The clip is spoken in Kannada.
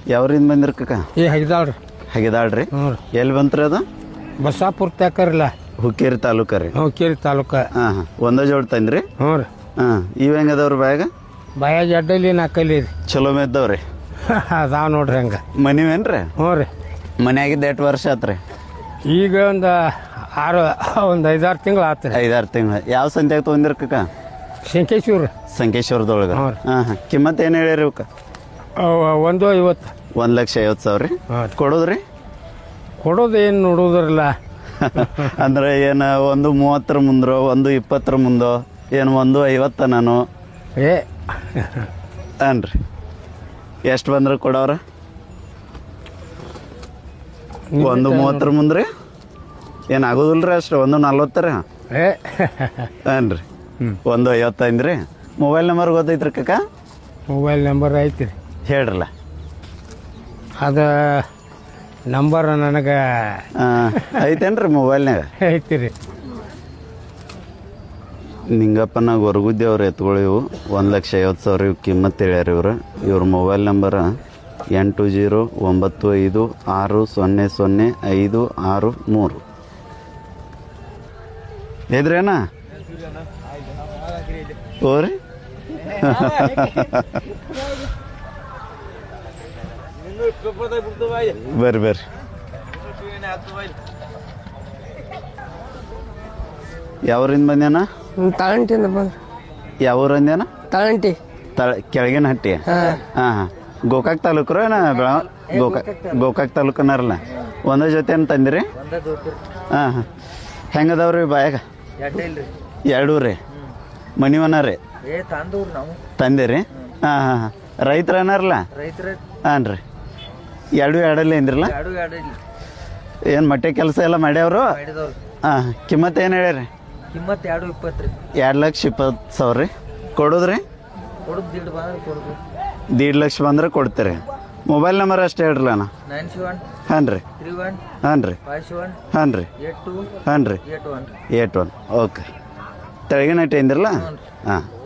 ಯಾವ್ರಿಂದ ಬಂದಿರ ಕಕ್ಕ ಈ ಹೈದಾಳ್ರಿ ಹಾಗಿದಾಳ್ರಿ ಹ್ಞೂ ರೀ ಎಲ್ಲಿ ಬಂತ್ರಿ ಅದು ಬಸಾಪುರ ತಾಕರಿಲ್ಲ ಹುಕ್ಕೇರಿ ತಾಲೂಕ ರೀ ಹುಕ್ಕೇರಿ ತಾಲೂಕ ಹಾಂ ಹಾಂ ಒಂದೇ ಜೋಡ್ ತಂದ್ರಿ ಹ್ಞೂ ರೀ ಹಾಂ ಇವ್ ಹೆಂಗದವ್ರಿ ಬ್ಯಾಗ ಬಾಯಾಗ ಅಡ್ಡಲಿ ನಾಲ್ಕಲ್ಲಿ ರೀ ಚಲೋ ಮೇದ್ದವ್ರಿ ಅದಾವ ನೋಡ್ರಿ ಹಂಗೆ ಮನಿವೇನ್ರಿ ಹ್ಞೂ ರೀ ಮನ್ಯಾಗಿದ್ದ 8 ವರ್ಷ ಆತ್ರಿ ಈಗ ಒಂದು ಒಂದು 5-6 ತಿಂಗಳು ಆತು ರೀ 5-6 ತಿಂಗಳು ಯಾವ ಸಂತ್ಯಾಗ ತೊಗೊಂದಿರ ಕಕ್ಕ ಶಂಕೇಶ್ವರ ಸಂಕೇಶ್ವರದೊಳಗೆ ಹ್ಞೂ ಹಾಂ ಹಾಂ ಕಿಮ್ಮತ್ ಏನು ಹೇಳಿರಿ ಇವಕ್ಕ 150 1,50,000 ರೀ ಹಾಂ ಕೊಡೋದ್ರಿ ಕೊಡೋದು ಏನು ನೋಡೋದ್ರಲ್ಲ ಅಂದ್ರೆ ಏನು 1:30 ಮುಂದ್ರೋ 1:20 ಮುಂದೋ ಏನು 1:50 ನಾನು ಏ ಅನ್ರಿ ಎಷ್ಟು ಬಂದ್ರೆ ಕೊಡವ್ರ 1:30 ಮುಂದ್ರಿ ಏನು ಆಗೋದಿಲ್ರಿ ಅಷ್ಟು 1:40 ರೀ ಏ ಅನ್ರಿ 1:50 ಅಂದ್ರಿ ಮೊಬೈಲ್ ನಂಬರ್ ಗೊತ್ತೈತ್ರಿ ಕಕ್ಕ ಮೊಬೈಲ್ ನಂಬರ್ ಐತಿ ರೀ ಹೇಳ್ರಲ್ಲ ಅದು ನಂಬರ್ ನನಗೆ ಐತೇನ್ರಿ ಮೊಬೈಲ್ನಾಗ ಐತಿ ರೀ ನಿಂಗಪ್ಪನ ಗೊರಗುದ್ದಿ ಎತ್ಕೊಳ್ಳಿ ಇವು 1,50,000 ಇವು ಕಿಮ್ಮತ್ ಹೇಳ್ಯಾರ ಇವ್ರ ಮೊಬೈಲ್ ನಂಬರ್ 8095005663 ಇದ್ರೇನಾ ಓರಿ ಬರ್ರಿ ಬರ್ರಿ ಯಾವ್ರಿಂದ ಬಂದ್ಯಾನ ತಾಳಂಟಿಂದ ಬಂದ್ರಿ ಯಾವ ಊರು ಅಂದ್ಯಾನ ತಾಳಂಟಿ ಕೆಳಗಿನ ಹಟ್ಟಿ ಹಾಂ ಹಾಂ ಗೋಕಾಕ್ ತಾಲೂಕು ರೀ ಗೋಕಾಕ್ ತಾಲೂಕನಾರಲ್ಲ ಒಂದೇ ಜೊತೆ ಏನು ತಂದಿರಿ ಹಾಂ ಹಾಂ ಹೆಂಗದವ್ರಿ ಬಾಯಾಗ 2 ರೀ ಮನಿವನ ರೀ ತಂದಿರಿ ಹಾಂ ಹಾಂ ಹಾಂ ರೈತರ ಏನಾರಲ್ಲ ಹಾಂ ರೀ 2 ಎರಡಲ್ಲಿ ಅಂದ್ರಲ್ಲ ಏನು ಮಟ್ಟೆ ಕೆಲಸ ಎಲ್ಲ ಮಾಡ್ಯಾವ್ರು ಹಾಂ ಕಿಮ್ಮತ್ ಏನು ಹೇಳ್ಯಾರಿ ಕಿಮ್ಮತ್ 2:20 2,20,000 ರೀ ಕೊಡೋದ್ರಿ $1,50,000 ಬಂದ್ರೆ ಕೊಡ್ತೀರಿ ಮೊಬೈಲ್ ನಂಬರ್ ಅಷ್ಟು ಹೇಳ್ರಲ್ಲ ಅಣ್ಣ 97 ಹಾಂ ರೀ 31 ಹಾಂ ರೀ 51 ಹಾಂ ರೀ 82 ಹಾಂ ರೀ 81 81 ಓಕೆ ತೆಳಗಿನ ಇಟ್ಟು ಅಂದಿರಲ್ಲ ಹಾಂ